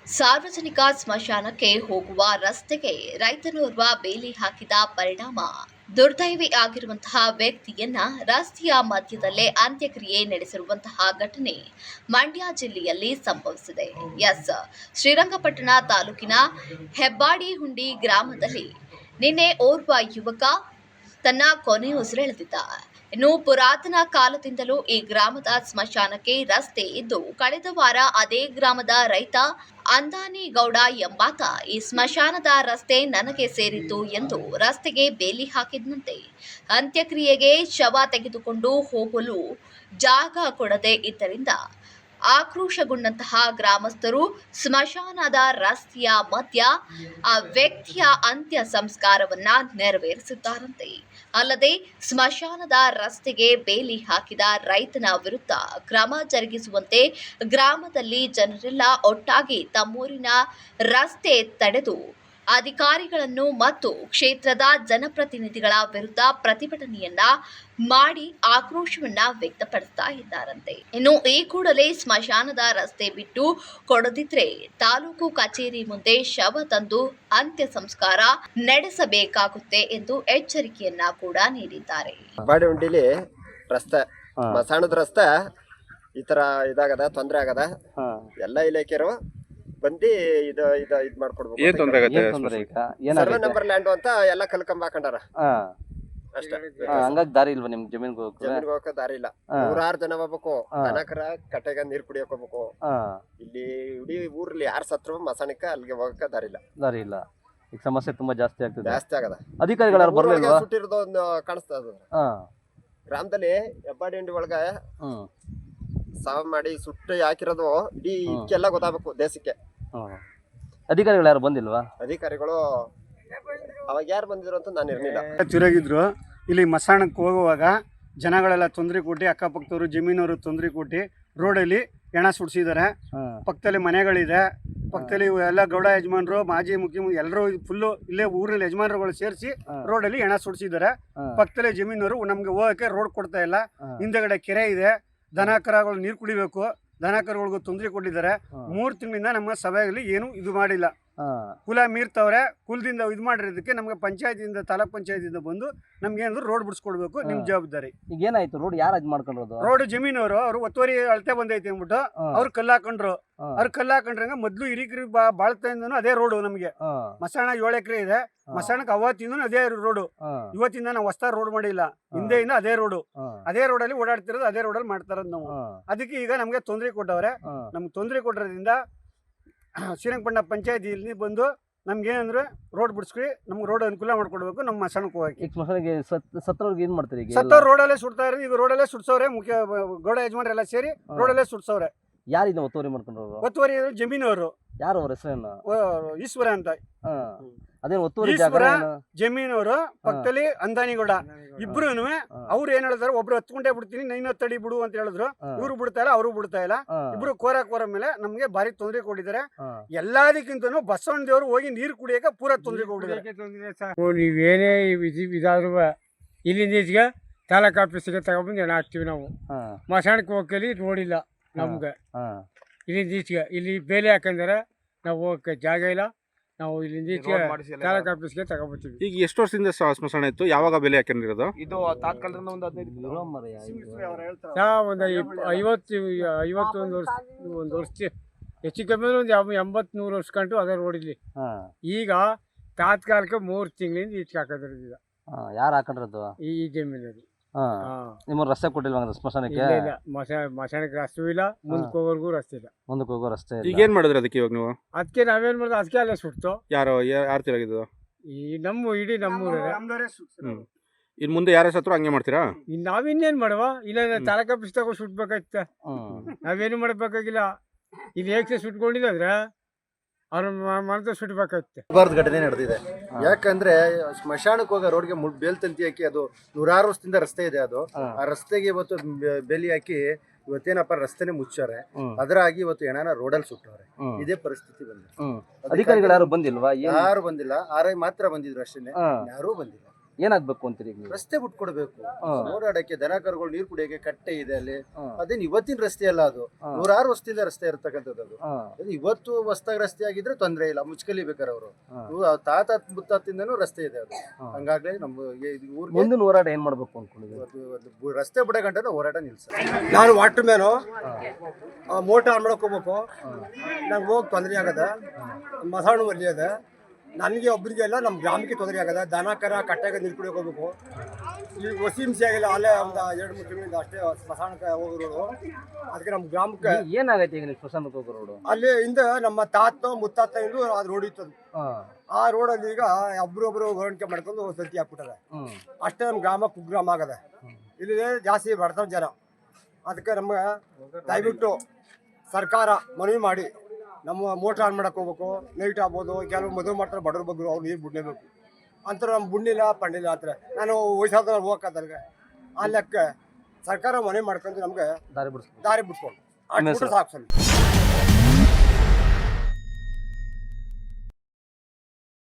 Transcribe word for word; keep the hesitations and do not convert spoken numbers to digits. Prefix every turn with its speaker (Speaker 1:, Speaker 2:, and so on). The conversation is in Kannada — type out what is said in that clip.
Speaker 1: ಸಾರ್ವಜನಿಕ ಸ್ಮಶಾನಕ್ಕೆ ಹೋಗುವ ರಸ್ತೆಗೆ ರೈತನೋರ್ವ ಬೇಲಿ ಹಾಕಿದ ಪರಿಣಾಮ ದುರ್ದೈವಿ ಆಗಿರುವಂತಹ ವ್ಯಕ್ತಿಯನ್ನ ರಸ್ತೆಯ ಮಧ್ಯದಲ್ಲೇ ಅಂತ್ಯಕ್ರಿಯೆ ನಡೆಸಿರುವಂತಹ ಘಟನೆ ಮಂಡ್ಯ ಜಿಲ್ಲೆಯಲ್ಲಿ ಸಂಭವಿಸಿದೆ. ಎಸ್ ಶ್ರೀರಂಗಪಟ್ಟಣ ತಾಲೂಕಿನ ಹೆಬ್ಬಾಡಿಹುಂಡಿ ಗ್ರಾಮದಲ್ಲಿ ನಿನ್ನೆ ಓರ್ವ ಯುವಕ ತನ್ನ ಕೊನೆಯುಸಿರೆಳೆದಿದ್ದ. ಇನ್ನು ಪುರಾತನ ಕಾಲದಿಂದಲೂ ಈ ಗ್ರಾಮದ ಸ್ಮಶಾನಕ್ಕೆ ರಸ್ತೆ ಇದ್ದು, ಕಳೆದ ವಾರ ಅದೇ ಗ್ರಾಮದ ರೈತ ಅಂದಾನಿಗೌಡ ಎಂಬಾತ ಈ ಸ್ಮಶಾನದ ರಸ್ತೆ ನನಗೆ ಸೇರಿದ್ದು ಎಂದು ರಸ್ತೆಗೆ ಬೇಲಿ ಹಾಕಿದಂತೆ ಅಂತ್ಯಕ್ರಿಯೆಗೆ ಶವ ತೆಗೆದುಕೊಂಡು ಹೋಗಲು ಜಾಗ ಕೊಡದೆ ಇದ್ದರಿಂದ ಆಕ್ರೋಶಗೊಂಡಂತಹ ಗ್ರಾಮಸ್ಥರು ಸ್ಮಶಾನದ ರಸ್ತೆಯ ಮಧ್ಯ ಆ ವ್ಯಕ್ತಿಯ ಅಂತ್ಯ ಸಂಸ್ಕಾರವನ್ನ ನೆರವೇರಿಸಿದ್ದಾರಂತೆ. ಅಲ್ಲದೆ ಸ್ಮಶಾನದ ರಸ್ತೆಗೆ ಬೇಲಿ ಹಾಕಿದ ರೈತನ ವಿರುದ್ಧ ಕ್ರಮ ಜರುಗಿಸುವಂತೆ ಗ್ರಾಮದಲ್ಲಿ ಜನರೆಲ್ಲ ಒಟ್ಟಾಗಿ ತಮ್ಮೂರಿನ ರಸ್ತೆ ತಡೆದು ಅಧಿಕಾರಿಗಳನ್ನು ಮತ್ತು ಕ್ಷೇತ್ರದ ಜನಪ್ರತಿನಿಧಿಗಳ ವಿರುದ್ಧ ಪ್ರತಿಭಟನೆಯನ್ನ ಮಾಡಿ ಆಕ್ರೋಶವನ್ನ ವ್ಯಕ್ತಪಡಿಸ್ತಾ ಇದ್ದಾರಂತೆ. ಇನ್ನು ಈ ಕೂಡಲೇ ಸ್ಮಶಾನದ ರಸ್ತೆ ಬಿಟ್ಟು ಕೊಡದಿದ್ರೆ ತಾಲೂಕು ಕಚೇರಿ ಮುಂದೆ ಶವ ತಂದು ಅಂತ್ಯ ಸಂಸ್ಕಾರ ನಡೆಸಬೇಕಾಗುತ್ತೆ ಎಂದು ಎಚ್ಚರಿಕೆಯನ್ನ ಕೂಡ ನೀಡಿದ್ದಾರೆ.
Speaker 2: ಬಾಡಿಹುಂಡಿಲಿ ರಸ್ತೆ ಸ್ಮಶಾನದ ರಸ್ತೆ ಈ ತರ ಇದಾಗದ ತೊಂದರೆ ಆಗದ ಎಲ್ಲ ಇಲಾಖೆಯರು ಬಂದು ಇದು ಇದು ಇದ್ ಮಾಡ್ಕೊಡ್ಬೇಕು.
Speaker 3: ಏನ್ ತೊಂದ್ರೆ ಆಗತ್ತೆ?
Speaker 2: ಸರ್ವೆ ನಂಬರ್ ಲ್ಯಾಂಡ್ ಅಂತ ಎಲ್ಲ ಕಲ್ಕಂಬ ಹಾಕೊಂಡಾರ ಅಷ್ಟೇ.
Speaker 4: ಹಂಗಾಗಿ ದಾರಿ ಇಲ್ವಾ ನಿಮ್ ಜಮೀನ್ಗೆ
Speaker 2: ಜಮೀನ್ಗೆ ಹೋಗಕ್ಕೆ ದಾರಿ ಇಲ್ಲ. ನೂರಾರು ಜನ ಹೋಗ್ಬೇಕು. ದನಕರ ಕಟ್ಟೆಗ ನೀರ್ ಕುಡಿಯಕ್ ಹೋಗ್ಬೇಕು. ಇಲ್ಲಿ ಇಡೀ ಊರ್ಲಿ ಯಾರು ಸತ್ರು ಮಸಾಣಿಕ ಅಲ್ಲಿಗೆ ಹೋಗಕ್ಕೆ ದಾರಿ ಇಲ್ಲ
Speaker 4: ದಾರಿ ಇಲ್ಲ ಈಗ ಸಮಸ್ಯೆ ತುಂಬಾ ಜಾಸ್ತಿ ಆಗ್ತದೆ.
Speaker 2: ಜಾಸ್ತಿ ಆಗದ.
Speaker 4: ಅಧಿಕಾರಿಗಳು ಬರ್ಲಿಲ್ವಾ?
Speaker 2: ಸುಟ್ಟಿರೋದು ಒಂದು ಕಾಣಿಸ್ತಾ ಇದ ಗ್ರಾಮದಲ್ಲಿ ಹೆಬ್ಬಾಡಿಹುಂಡಿ ಒಳಗ ಸಾವ್ ಮಾಡಿ ಸುಟ್ಟು ಹಾಕಿರೋದು ಇಡೀ ಇದಕ್ಕೆಲ್ಲ ಗೊತ್ತಾಗಬೇಕು ದೇಶಕ್ಕೆ.
Speaker 4: ಅಧಿಕಾರಿಗಳು ಯಾರು ಬಂದಿಲ್ವಾ?
Speaker 2: ಅಧಿಕಾರಿಗಳು ಅವಾಗ ಯಾರು ಬಂದಿದ್ರು ಅಂತ ನಾನು ಇರ್ಲಿಲ್ಲ.
Speaker 5: ತಿರುಗಿದ್ರು. ಇಲ್ಲಿ ಮಸಾಣಕ್ಕೆ ಹೋಗುವಾಗ ಜನಗಳೆಲ್ಲ ತೊಂದರೆ ಕೊಟ್ಟು, ಅಕ್ಕಪಕ್ಕದವರು ಜಮೀನವರು ತೊಂದರೆ ಕೊಟ್ಟು ರೋಡಲ್ಲಿ ಹೆಣ ಸುಡ್ಸಿದ್ದಾರೆ. ಪಕ್ಕದಲ್ಲಿ ಮನೆಗಳಿದೆ, ಪಕ್ಕದಲ್ಲಿ ಎಲ್ಲ ಗೌಡ ಯಜಮಾನರು, ಮಾಜಿ ಮುಖ್ಯಮಂತ್ರಿ ಎಲ್ಲರೂ ಫುಲ್ಲು ಇಲ್ಲೇ ಊರಿನ ಯಜಮಾನರುಗಳು ಸೇರಿಸಿ ರೋಡಲ್ಲಿ ಹೆಣ ಸುಡ್ಸಿದ್ದಾರೆ. ಪಕ್ಕದಲ್ಲಿ ಜಮೀನವರು ನಮ್ಗೆ ಹೋಗಕ್ಕೆ ರೋಡ್ ಕೊಡ್ತಾ ಇಲ್ಲ. ಹಿಂದೆಗಡೆ ಕೆರೆ ಇದೆ, ದನ ಕರುಗಳು ನೀರು ಕುಡಿಬೇಕು, ದನ ಕರುಗಳಿಗೂ ತೊಂದರೆ ಕೊಟ್ಟಿದ್ದಾರೆ. ಮೂರು ತಿಂಗಳಿಂದ ನಮ್ಮ ಸಭೆಯಲ್ಲಿ ಏನು ಇದು ಮಾಡಿಲ್ಲ. ಕುಲ ಮೀರ್ತವ್ರೆ. ಕುಲದಿಂದ ಇದು ಮಾಡಿರೋದಕ್ಕೆ ನಮ್ಗೆ ಪಂಚಾಯತಿಯಿಂದ ತಾಲೂಕ್ ಪಂಚಾಯತಿಯಿಂದ ಬಂದು ನಮ್ಗೆ ಏನಾದ್ರು ರೋಡ್ ಬಿಡಿಸ್ಕೊಡ್ಬೇಕು, ನಿಮ್ ಜವಾಬ್ದಾರಿ.
Speaker 4: ಈಗ ಏನಾಯ್ತು? ರೋಡ್ ಯಾರು ಇದು ಮಾಡ್ಕೊಂಡ್ರದು?
Speaker 5: ರೋಡ್ ಜಮೀನವರು ಅವ್ರು ಒತ್ತುವರಿ ಅಳತೆ ಬಂದೈತಿ ಅಂದ್ಬಿಟ್ಟು ಅವ್ರು ಕಲ್ಲು ಹಾಕೊಂಡ್ರು. ಅವ್ರು ಕಲ್ಲು ಹಾಕೊಂಡ್ರಂಗ ಮೊದ್ಲು ಹಿರಿಕರಿ ಬಾಳ್ತಿಂದನು ಅದೇ ರೋಡು. ನಮ್ಗೆ ಮಸಾಣ ಏಳು ಎಕರೆ ಇದೆ. ಮಸಾಣಕ್ಕೆ ಅವತ್ತಿಂದ ಅದೇ ರೋಡು. ಇವತ್ತಿಂದ ನಾವು ಹೊಸ ರೋಡ್ ಮಾಡಿಲ್ಲ, ಹಿಂದೆಯಿಂದ ಅದೇ ರೋಡು. ಅದೇ ರೋಡಲ್ಲಿ ಓಡಾಡ್ತಿರೋದು, ಅದೇ ರೋಡಲ್ಲಿ ಮಾಡ್ತಾರದ್ ನಾವು. ಅದಕ್ಕೆ ಈಗ ನಮ್ಗೆ ತೊಂದರೆ ಕೊಟ್ಟವ್ರೆ. ನಮ್ಗೆ ತೊಂದರೆ ಕೊಟ್ಟಿರೋದ್ರಿಂದ ಶ್ರೀರಂಗಪಟ್ಟಣ ಪಂಚಾಯತಿಯಲ್ಲಿ ಬಂದು ನಮ್ಗೆ ಏನಂದ್ರೆ ರೋಡ್ ಬಿಡಿಸ್ಕಿ ನಮ್ಗೆ ರೋಡ್ ಅನುಕೂಲ ಮಾಡ್ಕೊಡ್ಬೇಕು. ನಮ್ಮ ಮಸಾಣಕ್ಕೆ ಹೋಗಕ್ಕೆ
Speaker 4: ಸ್ಮಶಾನಕ್ಕೆ ಸತ್ತವ್ರಿಗೆ ಏನ್ ಮಾಡ್ತಾರೆ?
Speaker 5: ಸತ್ತವ್ರು ರೋಡಲ್ಲೇ ಸುಡ್ತಾ ಇರೋದು. ಈಗ ರೋಡಲ್ಲೇ ಸುಡ್ಸವ್ರೆ. ಮುಖ್ಯ ಗೌಡ ಯಜಮಾನ್ರೆಲ್ಲ ಸೇರಿ ರೋಡಲ್ಲೇ ಸುಡ್ಸವ್ರೆ.
Speaker 4: ಯಾರಿಂದ ಒತ್ತುವರಿ ಮಾಡ್ಕೊಂಡ್ರು?
Speaker 5: ಒತ್ತುವರಿ ಜಮೀನವರು.
Speaker 4: ಯಾರು ಅವ್ರ ಹೆಸರೇನು?
Speaker 5: ಈಶ್ವರ ಅಂತ.
Speaker 4: ಅದೇ ಒತ್ತುವರಿ
Speaker 5: ಈಶ್ವರ ಜಮೀನವರು, ಪಕ್ಕದಲ್ಲಿ ಅಂದಾನಿಗೌಡ. ಇಬ್ರು ಅವ್ರು ಏನ್ ಹೇಳಿದ್ರು, ಒಬ್ರು ಹತ್ಕೊಂಡೇ ಬಿಡ್ತೀನಿ, ನೈನ್ ಹತ್ತಡಿ ಬಿಡು ಅಂತ ಹೇಳಿದ್ರು. ಇವ್ರು ಬಿಡ್ತಾ ಇಲ್ಲ, ಅವರು ಬಿಡ್ತಾ ಇಲ್ಲ. ಇಬ್ರು ಕೋರ ಕೋರ ಮೇಲೆ ನಮ್ಗೆ ಭಾರಿ ತೊಂದರೆ ಕೊಟ್ಟಿದ್ದಾರೆ. ಎಲ್ಲದಕ್ಕಿಂತನೂ ಬಸವಣ್ಣ ದೇವರು ಹೋಗಿ ನೀರು ಕುಡಿಯಕ್ಕೆ ಪೂರ ತೊಂದರೆ ಕೊಟ್ಟಿದ್ದಾರೆ.
Speaker 6: ನೀವೇನೇ ಇದಾದ್ರು ಇಲ್ಲಿಂದ ಈಚೆಗೆ ತಾಲೂಕ್ ಆಫೀಸಿಗೆ ತಗೊಂಡ್ಬಂದು ಹೆಣ ಹಾಕ್ತಿವಿ ನಾವು. ಮಸಾಣಕ್ಕೆ ಹೋಗಲಿ ರೋಡ್ ಇಲ್ಲ ನಮ್ಗೆ. ಇಲ್ಲಿಂದ ಈಚೆಗೆ ಇಲ್ಲಿ ಬೇಲಿ ಹಾಕಂದ್ರೆ ನಾವು ಹೋಗಕ್ಕೆ ಜಾಗ ಇಲ್ಲ. ನಾವು ಇಲ್ಲಿಂದ ಈಚೆಗೆ ತಾಲೂಕ್ ಆಫೀಸ್ಗೆ ತಗೊಂಡ್ಬರ್ತೀವಿ.
Speaker 3: ಈಗ ಎಷ್ಟು ವರ್ಷದಿಂದ ಸ್ಮಶಾನ ಇತ್ತು? ಯಾವಾಗ ಬೆಲೆ ಹಾಕೊಂಡಿರೋದು?
Speaker 6: ಇದು ತಾತ್ಕಾಲದಿಂದ ಒಂದು ಹದಿನೈದು ಒಂದು ಐವತ್ತು ಐವತ್ತೊಂದು ವರ್ಷ ಒಂದು ವರ್ಷ ಹೆಚ್ಚು ಕಮ್ಮಿ ಒಂದು ಎಂಬತ್ ನೂರು ವರ್ಷ ಕಂಡು ಅದೇ ರೋಡ್ ಇಲ್ಲಿ. ಈಗ ತಾತ್ಕಾಲಿಕ ಮೂರು ತಿಂಗಳಿಂದ ಈಚೆಗೆ ಹಾಕೋದ್ರಿಂದ.
Speaker 4: ಯಾರು ಹಾಕೊಂಡ್ರದು?
Speaker 6: ಈ ಜಮೀನಲ್ಲಿ.
Speaker 4: ನಿಮ್ಮ ರಸ್ತೆ ಕೊಟ್ಟಿಲ್ವಾ ಸ್ಮಶಾನಕ್ಕೆ?
Speaker 6: ಇಲ್ಲ, ಮಶಾನಕ್ಕೆ ರಸ್ತೆ ಇಲ್ಲ, ಮುಂದಕ್ಕೆ ಹೋಗೋರ್ಗೂ ರಸ್ತೆ ಇಲ್ಲ.
Speaker 4: ಮುಂದಕ್ಕೆ ಹೋಗೋ ರಸ್ತೆ ಇಲ್ಲ.
Speaker 3: ಈಗ ಏನ್ ಮಾಡಿದ್ರಿ ಅದಕ್ಕೆ ಇವಾಗ ನೀವು?
Speaker 6: ಅದಕ್ಕೆ ನಾವೇನ್ ಮಾಡಿದ್ವಿ, ಅದಕ್ಕೆ ಅಲ್ಲೇ ಸುಡ್ತು.
Speaker 3: ಯಾರು ಯಾರು ತಿರುಗಿದ್ದು?
Speaker 6: ಈ ನಮ್ಮ ಇಡೀ ನಮ್ಮೂರೇ.
Speaker 3: ಹ್ಮ್ ಇನ್ ಮುಂದೆ ಯಾರ ಸತ್ರು ಹಂಗೆ ಮಾಡ್ತೀರಾ?
Speaker 6: ನಾವಿನ್ನೇನ್ ಮಾಡುವ? ಇಲ್ಲ ತಾಲೂಕ್ ಆಫೀಸ್ ತಗೋ ಸುಟ್ಬೇಕಾಯ್ತ. ನಾವೇನು ಮಾಡ್ಬೇಕಾಗಿಲ್ಲ. ಇಲ್ಲಿ ಹೇಗೆ ಸುಟ್ಕೊಂಡಿದ್ರೆ ಅವ್ರ ಮನದ ಸುಟ್ಬೇಕಾಯ್ತು.
Speaker 2: ಬಾರ್ದು ಘಟನೆ ನಡೆದಿದೆ. ಯಾಕಂದ್ರೆ ಸ್ಮಶಾನಕ್ಕೆ ಹೋಗೋ ರೋಡ್ಗೆ ಬೇಲ್ ತಂತಿ ಹಾಕಿ, ಅದು ನೂರಾರು ವರ್ಷದಿಂದ ರಸ್ತೆ ಇದೆ. ಅದು ಆ ರಸ್ತೆಗೆ ಇವತ್ತು ಬೇಲಿ ಹಾಕಿ ಇವತ್ತೇನಪ್ಪ ರಸ್ತೆನೆ ಮುಚ್ಚಾರೆ. ಅದರಾಗಿ ಇವತ್ತು ಹೆಣನ ರೋಡಲ್ಲಿ ಸುಟ್ಟವ್ರೆ. ಇದೇ ಪರಿಸ್ಥಿತಿ ಬಂದಿದೆ.
Speaker 4: ಅಧಿಕಾರಿಗಳು ಯಾರು ಬಂದಿಲ್ವಾ?
Speaker 2: ಯಾರು ಬಂದಿಲ್ಲ. ಆರ್ ಐ ಮಾತ್ರ ಬಂದಿದ್ರು ಅಷ್ಟೇ, ಯಾರೂ ಬಂದಿಲ್ಲ.
Speaker 4: ಏನಾಗ್ಬೇಕು ಅಂತೀರಿ ಈಗ ನೀವು?
Speaker 2: ರಸ್ತೆ ಬಿಟ್ಕೊಡ್ಬೇಕು.
Speaker 4: ಹಾ.
Speaker 2: ಓಡಾಡಕ್ಕೆ ದನ ಕರುಗಳು ನೀರು ಕುಡಿಯೋಕೆ ಕಟ್ಟೆ ಇದೆ ಅಲ್ಲಿ.
Speaker 4: ಹಾ.
Speaker 2: ಅದೇನು ಇವತ್ತಿನ ರಸ್ತೆ ಅಲ್ಲ, ಅದು
Speaker 4: ಹಾ.
Speaker 2: ನೂರಾರು ವರ್ಷದಿಂದ ರಸ್ತೆ ಇರ್ತಕ್ಕಂಥದ್ದು ಅದು.
Speaker 4: ಹಾ.
Speaker 2: ಅದು ಇವತ್ತು ಹೊಸ್ದಾಗಿ ರಸ್ತೆ ಆಗಿದ್ರೆ ತೊಂದರೆ ಇಲ್ಲ, ಮುಚ್ಕಲಿಬೇಕಾರೆ ಅವರು.
Speaker 4: ಹಾ.
Speaker 2: ತಾತ ಮುತ್ತಾತಿಂದನೂ ರಸ್ತೆ ಇದೆ ಅದು.
Speaker 4: ಹಾ.
Speaker 2: ಹಂಗಾಗ್ಲೇ ನಮ್ಮ ಊರಿಗೆ
Speaker 4: ಮುಂದಿನ ಹೋರಾಟ ಏನ್ ಮಾಡ್ಬೇಕು ಅನ್ಕೊಂಡಿದ್ದೀವಿ?
Speaker 2: ಇವತ್ತು ಒಂದು ಬು- ರಸ್ತೆ ಬಿಡೋ ಗಂಟನೂ ಹೋರಾಟ ನಿಲ್ಸ.
Speaker 7: ನಾನು ವಾಟರ್ ಮ್ಯಾನು ಮೋಟರ್ ಆನ್ ಮಾಡಕ್ ಹೋಗ್ಬೇಕು. ನಂಗೆ ಹೋಗಿ ತೊಂದರೆ ಆಗದ, ಮಸಾಣ ಒಲ್ಲಿ ಅದ. ನನಗೆ ಒಬ್ಬರಿಗೆ ಎಲ್ಲ ನಮ್ಮ ಗ್ರಾಮಕ್ಕೆ ತೊಂದರೆ ಆಗದ. ದನ ಕರ ಕಟ್ಟೆಗೆ ನೀರು ಕುಡಿಯೋಕೆ ಹೋಗ್ಬೇಕು. ಈಗ ಹೊಸಿ ಹಿಂಸೆ ಆಗಿಲ್ಲ, ಅಲ್ಲೇ ಒಂದು ಎರಡು ಮೂರು ತಿಂಗಳಿಂದ ಅಷ್ಟೇ ಸ್ಮಶಾನಕ್ಕೆ ಹೋಗಿರೋದು. ಅದಕ್ಕೆ ನಮ್ಮ ಗ್ರಾಮಕ್ಕೆ
Speaker 4: ಏನಾಗೈತೆ ಈಗ ನೀವು ಸ್ಮಶಾನಕ್ಕೆ ಹೋಗೋ ರೋಡು?
Speaker 7: ಅಲ್ಲಿ ಹಿಂದೆ ನಮ್ಮ ತಾತ ಮುತ್ತಾತ ಇಂದು ಅದು ರೋಡ್ ಇತ್ತು. ಆ ರೋಡಲ್ಲಿ ಈಗ ಒಬ್ರೊಬ್ರು ಹೊರಣಿಕೆ ಮಾಡ್ಕೊಂಡು ಸಂತಿ ಹಾಕ್ಬಿಟ್ಟದೆ. ಅಷ್ಟೇ ನಮ್ಮ ಗ್ರಾಮ ಕುಗ್ರಾಮ ಆಗದ. ಇಲ್ಲಿ ಜಾಸ್ತಿ ಬಡತನ ಜನ. ಅದಕ್ಕೆ ನಮ್ಗೆ ದಯವಿಟ್ಟು ಸರ್ಕಾರ ಮನವಿ ಮಾಡಿ ನಮ್ಮ ಮೋಟ್ರ್ ಆನ್ ಮಾಡಕ್ಕೆ ಹೋಗ್ಬೇಕು. ನೈಟ್ ಆಗ್ಬೋದು, ಕೆಲವು ಮದುವೆ ಮಾಡ್ತಾರೆ ಬಡವ್ರ ಬಗ್ಗೆ, ಅವ್ರು ನೀರು ಬಿಡಲೇಬೇಕು ಅಂತ. ನಮ್ಮ ಬುಣ್ಣಿಲ್ಲ ಪಂಡಿಲ್ಲ ಅಂತಾರೆ. ನಾನು ವಯಸ್ಸಾದ ಹೋಗಕ್ಕೆ ಆ ಲೆಕ್ಕ ಸರ್ಕಾರ ಮನವಿ ಮಾಡ್ಕೊಂಡು ನಮ್ಗೆ
Speaker 4: ದಾರಿ ಬಿಡಿಸ್ಬೇಕು.
Speaker 7: ದಾರಿ ಬಿಟ್ಕೊಂಡು ಅಷ್ಟು ಸಾಕು.